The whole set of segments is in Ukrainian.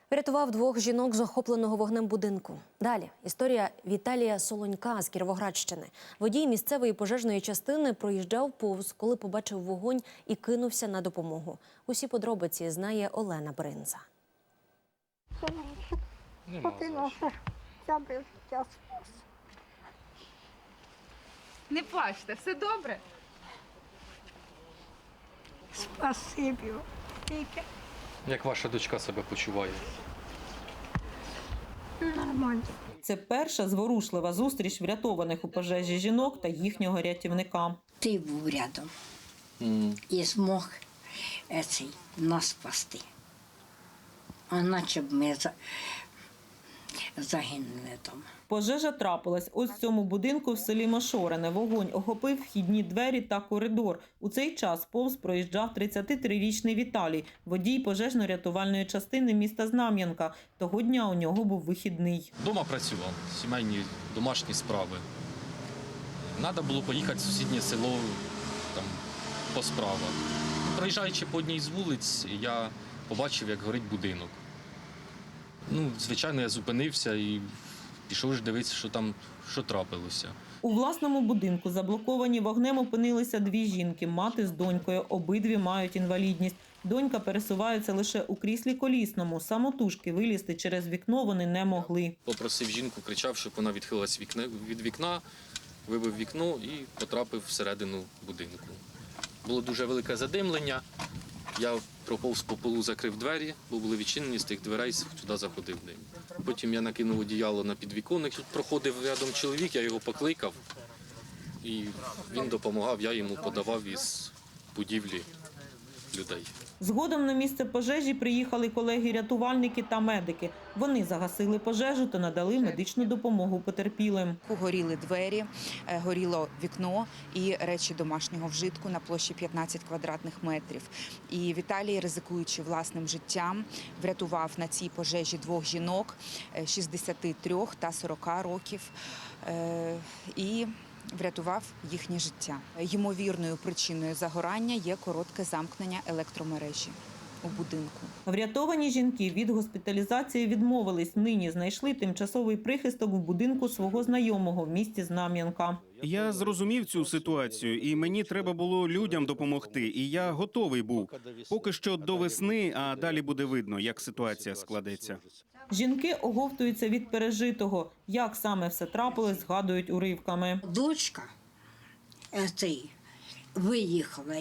Врятував двох жінок з охопленого вогнем будинку. Далі історія Віталія Солонька з Кіровоградщини. Водій місцевої пожежної частини проїжджав повз, коли побачив вогонь і кинувся на допомогу. Усі подробиці знає Олена Бринза. Не плачте, все добре. Спасибі. Як ваша дочка себе почуває? Нормально. Це перша зворушлива зустріч врятованих у пожежі жінок та їхнього рятівника. Ти був рядом і змог нас спасти. А наче б ми загинули там. Пожежа трапилась ось в цьому будинку в селі Мошорене. Вогонь охопив вхідні двері та коридор. У цей час повз проїжджав 33-річний Віталій, водій пожежно-рятувальної частини міста Знам'янка. Того дня у нього був вихідний. Дома працював, сімейні домашні справи. Треба було поїхати в сусіднє село там, по справах. Проїжджаючи по одній з вулиць, я побачив, як горить будинок. Звичайно, я зупинився і пішов ж дивитися, що трапилося. У власному будинку заблоковані вогнем опинилися дві жінки – мати з донькою. Обидві мають інвалідність. Донька пересувається лише у кріслі колісному. Самотужки вилізти через вікно вони не могли. Попросив жінку, кричав, щоб вона відхилилась від вікна, вибив вікно і потрапив всередину будинку. Було дуже велике задимлення. Я проповз по полу, закрив двері, бо були відчинені, з тих дверей сюди заходив дим. Потім я накинув одіяло на підвіконник. Тут проходив рядом чоловік, я його покликав, і він допомагав, я йому подавав із будівлі людей. Згодом на місце пожежі приїхали колеги-рятувальники та медики. Вони загасили пожежу та надали медичну допомогу потерпілим. Горіли двері, горіло вікно і речі домашнього вжитку на площі 15 квадратних метрів. І Віталій, ризикуючи власним життям, врятував на цій пожежі двох жінок 63 та 40 років і врятував їхнє життя. Ймовірною причиною загорання є коротке замкнення електромережі у будинку. Врятовані жінки від госпіталізації відмовились. Нині знайшли тимчасовий прихисток в будинку свого знайомого в місті Знам'янка. Я зрозумів цю ситуацію, і мені треба було людям допомогти, і я готовий був. Поки що до весни, а далі буде видно, як ситуація складеться. Жінки оговтуються від пережитого. Як саме все трапилось, згадують уривками. Дочка виїхала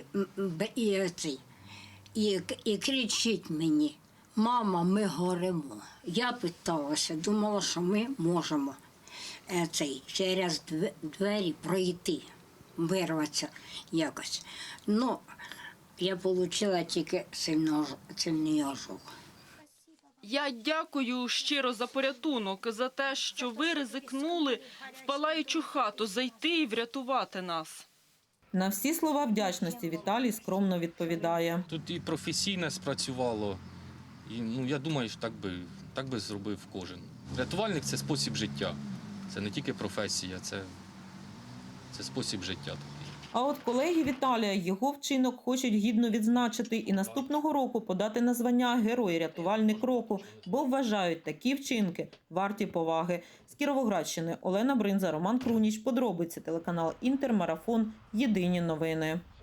і кричить мені: «Мама, ми горимо». Я питалася, думала, що ми можемо через двері пройти, вирватися якось. Я отримала тільки сильний ожог. Я дякую щиро за порятунок, за те, що ви ризикнули в палаючу хату зайти і врятувати нас. На всі слова вдячності Віталій скромно відповідає. Тут і професійне спрацювало, і я думаю, що так би зробив кожен. Рятувальник – це спосіб життя, це не тільки професія, це спосіб життя. А от колеги Віталія його вчинок хочуть гідно відзначити і наступного року подати на звання Герой-рятувальник року, бо вважають такі вчинки варті поваги. З Кіровоградщини Олена Бринза, Роман Круніч. Подробиці телеканал Інтер, Марафон. Єдині новини.